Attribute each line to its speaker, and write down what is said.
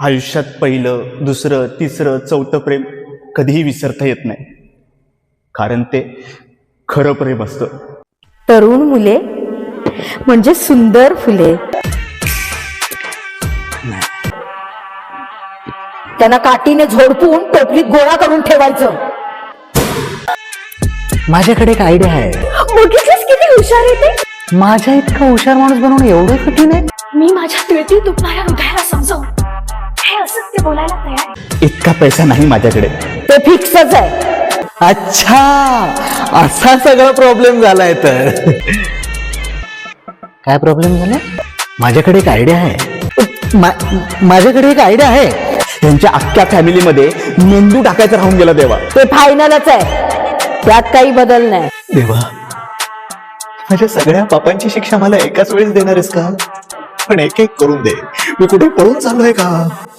Speaker 1: आयुष्यात पहिलं, दुसरं, तिसरं, चौथं प्रेम कधीही विसरता येत नाही, कारण ते खरं प्रेम असतं.
Speaker 2: तरुण मुले म्हणजे सुंदर फुले. त्यांना काठीने झोडपून टोपलीत गोळा करून ठेवायचं.
Speaker 3: माझ्याकडे एक आयडिया आहे.
Speaker 2: बघितलंस किती हुशार आहे ते.
Speaker 3: माझ्या इतका हुशार माणूस बनवणं एवढं कठीण आहे.
Speaker 4: मी माझ्या तिळती दुखणाऱ्या हृदयाला समजावून हे असत्य बोलायला तयार आहे.
Speaker 1: इतका पैसा नाही माझ्याकडे.
Speaker 2: ते फिक्सच आहे.
Speaker 3: अच्छा, असा सगळा प्रॉब्लेम झालाय. तर काय प्रॉब्लेम झाला? माझ्याकडे एक आयडिया आहे. माझ्याकडे एक आयडिया आहे.
Speaker 1: त्यांच्या अख्ख्या फॅमिलीमध्ये मेंदू टाकायचा राहून गेला देवा.
Speaker 2: ते फायनलच आहे, त्यात काही बदल नाही.
Speaker 3: देवा, माझ्या सगळ्या पापांची शिक्षा मला एकाच वेळेस देणार आहेस का? पण एक एक करून दे. मी कुठे पळून चाललोय का?